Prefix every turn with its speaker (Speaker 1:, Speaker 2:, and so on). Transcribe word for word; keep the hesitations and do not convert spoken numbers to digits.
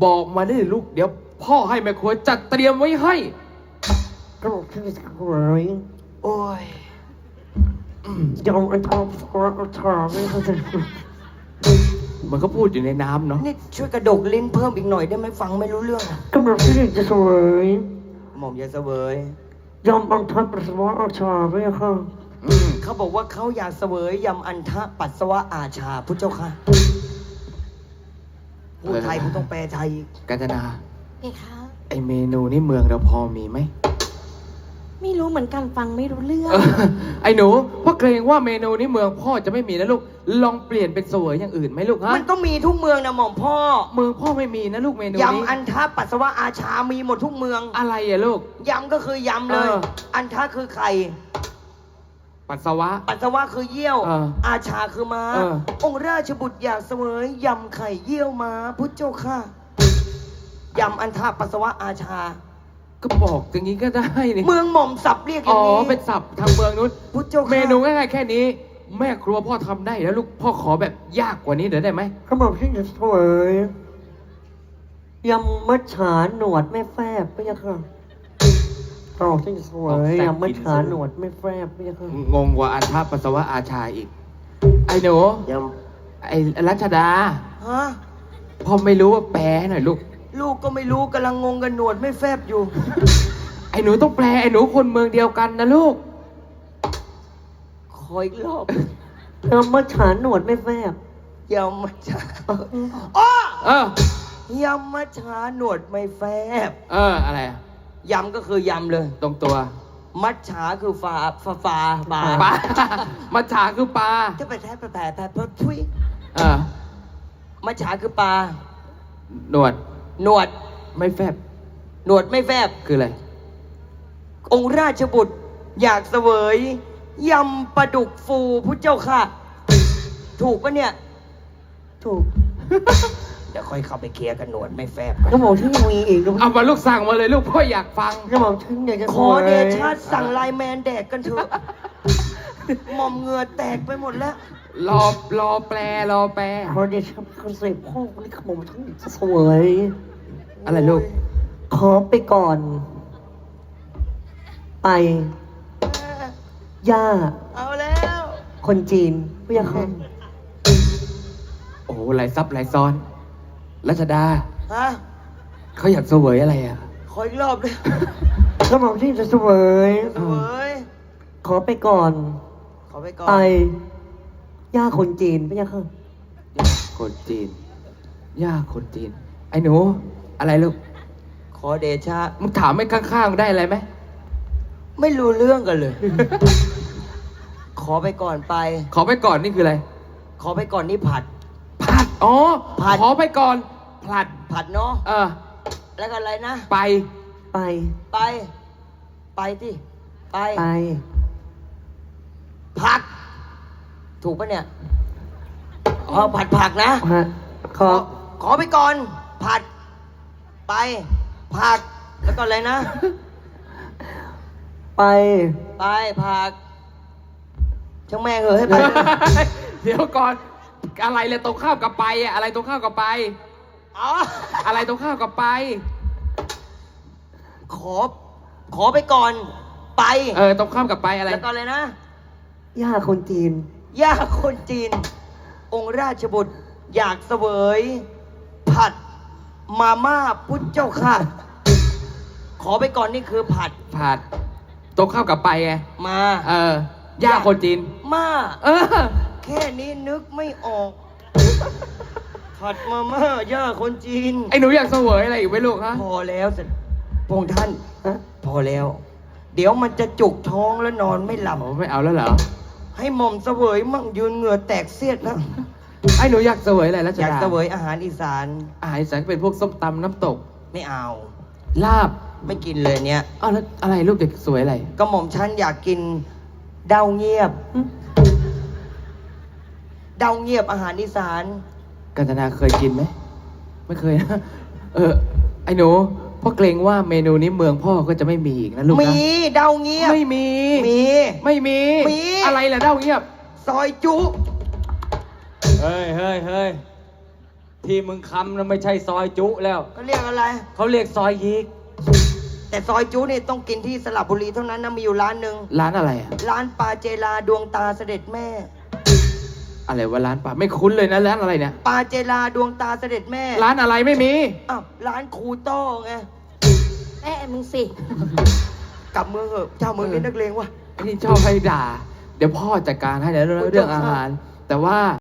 Speaker 1: บอกมาได้เลยลูกเดี๋ยวพ่อให้แม่ครัวจัดเตรียมไว้ให้
Speaker 2: กระบอกที่จะสวย
Speaker 1: โอ้ย
Speaker 2: ยอมอันทองสกอตทอไม่เข้าใจ
Speaker 1: มันก็พูดอยู่ในน้ำเนาะ
Speaker 3: นี่ช่วยกระดกลิ้นเพิ่มอีกหน่อยได้ไหมฟังไม่รู้เรื่อง
Speaker 2: กระบอกที่จะสวย
Speaker 3: หม่อมอยากเสวย
Speaker 2: ยอมอันทองปัสสาวะอาชาไม่เข้า
Speaker 3: เขาบอกว่าเขาอยากเสวยยำอันทะปัสสาวะอาชาพุทธเจ้าค่ะพูดไทยพูดต้องแปลไทย
Speaker 1: กาญจนา
Speaker 4: ไงคะ
Speaker 1: ไอเมนูนี่เมืองเราพอมีไหม
Speaker 4: ไม่รู้เหมือนกันฟังไม่รู้เรื่อง
Speaker 1: ไอ้หนูพ่อเกรงว่าเมนูนี้เมืองพ่อจะไม่มีนะลูกลองเปลี่ยนเป็นเสวยอย่างอื่นไหมลูกฮะ
Speaker 3: มันก็มีทุกเมืองนะหม่อมพ่อ
Speaker 1: เมืองพ่อไม่มีนะลูกเมนูนี้
Speaker 3: ยำอันทะปัสสาวะอาชามีหมดทุกเมือง
Speaker 1: อะไรอะลูก
Speaker 3: ยำก็คือยำเลยอันทะคือไข่
Speaker 1: ปัสสาวะ
Speaker 3: ปัสสาวะคือเยี่ยวอาชาคือม้าองค์ราชบุตรอยากเสวยยำไข่เยี่ยวม้าพุทธเจ้าค่ะยำอันทะปัสสาวะอาชา
Speaker 1: ก็บอกอย่างนี้ก็ได้นี่
Speaker 3: เมืองหม่อมสับเรียกอย่างนี้
Speaker 1: อ๋อเป็นสับทางเมืองนู้น
Speaker 3: พุทธเจ้าค่ะ
Speaker 1: เมนูง่ายๆแค่นี้แม่ครัวพ่อทำได้แล้วลูกพ่อขอแบบยากกว่านี้เดี๋ยวได้ไหม
Speaker 2: กระบอกที่จะสวยยำมัจฉาหนวดไม่แฟบไม่ยังค่ะกระบอกที่จะสวยยำมัจฉาหนวดไม่แฟบไม่ยังค่ะ
Speaker 1: งงกว่าอันทะปัสสาวะอาชาอีกไอ้หนู
Speaker 2: ย
Speaker 1: ำไอ้รัชดา
Speaker 3: ฮะ
Speaker 1: พ่อไม่รู้ว่าแปลหน่อยลูก
Speaker 3: ลูกก็ไม่รู้กำลังงงกันหนวดไม่แฟบอยู่
Speaker 1: ไอ้หนูต้องแปลไอ้หนูคนเมืองเดียวกันนะลูก
Speaker 3: ขออีกรอบ
Speaker 2: ยำมัจฉาหนวดไม่แฟบ
Speaker 3: ยำมัจฉาอ๋อ
Speaker 1: เอ
Speaker 3: อยำมัจฉาหนวดไม่แฟบ
Speaker 1: เอออะไร
Speaker 3: ยำก็คือยำเลย
Speaker 1: ตรงตัว
Speaker 3: มัจฉาคือฟ้าฟ้าฟ้าปลา
Speaker 1: ปลามัจฉาคือปลา
Speaker 3: จะไปแท้แผลแผลแผลแผลทุย
Speaker 1: เออ
Speaker 3: มัจฉาคือปลา
Speaker 1: หนวด
Speaker 3: หนวด
Speaker 1: ไม่แฟบ
Speaker 3: หนวดไม่แฟบ
Speaker 1: คืออะไร
Speaker 3: องค์ราชบุตรอยากเสวยยำปลาดุกฟูพุทธเจ้าค่ะถูกปะเนี่ย
Speaker 2: ถูก
Speaker 3: เดี๋ยวค่อยเข้าไปเคลียร์กันหนวดไม่แฟบ
Speaker 2: ก็บอกที่ยังมีอีก
Speaker 1: เอามาลูกสั่งมาเลยลูกพ่ออยากฟัง
Speaker 2: ก็บอกที่อยากจะ
Speaker 3: ขอเดชะสั่งไลน์แมนแดกกันเถอะหม่อมเหงื่อแตกไปหมดแล้ว
Speaker 1: รอรอแปลรอแปล
Speaker 2: ขอเดชะคอนเซ็ปต์พ่อนี่ขโมยทั้งจะสวย
Speaker 1: อะไรลูก
Speaker 2: ขอไปก่อนไปย่า
Speaker 3: เอาแล้ว
Speaker 2: คนจีนพี่ยังคน
Speaker 1: โอ้หลายซับหลายซ้อนรัชดา
Speaker 3: ฮะ
Speaker 1: เขาอยากเสวยอะไรอ่ะ
Speaker 3: ขออีกรอบเลย
Speaker 2: ก็บอกที่จะเสวย
Speaker 3: เสวย
Speaker 2: ขอไปก่อน
Speaker 3: ขอไปก่อน
Speaker 2: ไปย่าคนจีนพี่ยังคน
Speaker 1: ย่าคนจีนย่าคนจีนไอ้หนูอะไรลูก
Speaker 3: ขอเดชะ
Speaker 1: มึงถามไม่ข้างๆได้อะไรไหม
Speaker 3: ไม่รู้เรื่องกันเลย ขอไปก่อนไป
Speaker 1: ขอไปก่อนนี่คืออะไร
Speaker 3: ขอไปก่อนนี่ผัด
Speaker 1: ผัดอ๋อผัดขอไปก่อนผัด
Speaker 3: ผัดเนาะ
Speaker 1: เออ
Speaker 3: แล้วก็อะไรนะ
Speaker 1: ไป
Speaker 2: ไป
Speaker 3: ไปไปที่ไป
Speaker 2: ไป
Speaker 3: ผักถูกปะเนี่ยอ๋อผัดผักนะ
Speaker 2: ขอ
Speaker 3: ขอไปก่อนผัดไปผักแล้วก็อะไรนะ
Speaker 2: ไป
Speaker 3: ไปผักช่างแม่เหอะให้ไป
Speaker 1: เดี๋ยวก่อนอะไรเลยตรงข้าวกับไปอะอะไรตรงข้าวกับไป
Speaker 3: อ๋อ
Speaker 1: อะไรตรงข้าวกับไป
Speaker 3: ขอขอไปก่อนไป
Speaker 1: เออตรงข้ามกับไปอะไร
Speaker 3: แล้วก็อะไรนะ
Speaker 2: ย่าคนจีน
Speaker 3: ย่าคนจีนองค์ราชบุตรอยากเสวยผัดมาม่าพุทธเจ้าค่ะขอไปก่อนนี่คือผัด
Speaker 1: ผัดตรงข้าวกับไปไง
Speaker 3: มา
Speaker 1: เออย่าคนจีน
Speaker 3: มา
Speaker 1: เออ
Speaker 3: แค่นี้นึกไม่ออกผัดมาม่าย่าคนจีน
Speaker 1: ไอ้หนูอยากเสวยอะไรอีกไหมลูกฮะ
Speaker 3: พอแล้วสิพงท่านพอแล้วเดี๋ยวมันจะจุกท้องแล้วนอนไม่หลับ
Speaker 1: ไม่เอาแล้วเหรอ
Speaker 3: ให้หม่อมเสวยมั่งยืนเหงื่อแตกเสียดนะ
Speaker 1: ไอ้หนูอยากเสวยอะไรแล้ว
Speaker 3: อยากเสวยอาหารอีสาน
Speaker 1: อาหารอีสานเป็นพวกส้มตำน้ำตก
Speaker 3: ไม่เอา
Speaker 1: ลาบ
Speaker 3: ไม่กินเลยเนี้ย
Speaker 1: อ้าวแล้วอะไรลูกอยากสวยอะไร
Speaker 3: ก็หม่อมฉันอยากกินเดาเงียบเดาเงียบอาหารอีสาน
Speaker 1: กาญจนาเคยกินไหมไม่เคยนะเออไอ้หนูพ่อเกรงว่าเมนูนี้เมืองพ่อก็จะไม่มีอีกนะลูกนะ
Speaker 3: มีเดาเงียบ
Speaker 1: ไม่มี
Speaker 3: มี
Speaker 1: ไม่มี
Speaker 3: มี
Speaker 1: อะไรล่ะเดาเงียบ
Speaker 3: ซอยจุ
Speaker 1: เฮ้ยเฮ้ยเฮ้ยที่มึงคำนั้นไม่ใช่ซอยจุแล้ว
Speaker 3: ก็เรียกอะไร
Speaker 1: เขาเรียกซอยยิก
Speaker 3: แต่ซอยจูนี่ต้องกินที่สระบุรีเท่านั้นนะมีอยู่ร้านหนึ่ง
Speaker 1: ร้านอะไรอะ
Speaker 3: ร้านปาเจลาดวงตาเสด็จแม่
Speaker 1: อะไรวะร้านปลาไม่คุ้นเลยนะร้านอะไรเนี่ย
Speaker 3: ปาเจลาดวงตาเสด็จแม่
Speaker 1: ร้านอะไรไม่มี
Speaker 3: อ้าวร้านครูโต้ไง
Speaker 4: แม่มึงสิ
Speaker 3: กลับเมืองเหอะเจ้าเมืองนี่นักเลงวะ
Speaker 1: ไอ้นี่ชอบให้ด่า เดี๋ยวพ่อจัดการให้ในเรื่องเรื่องอาหาร แต่ว่า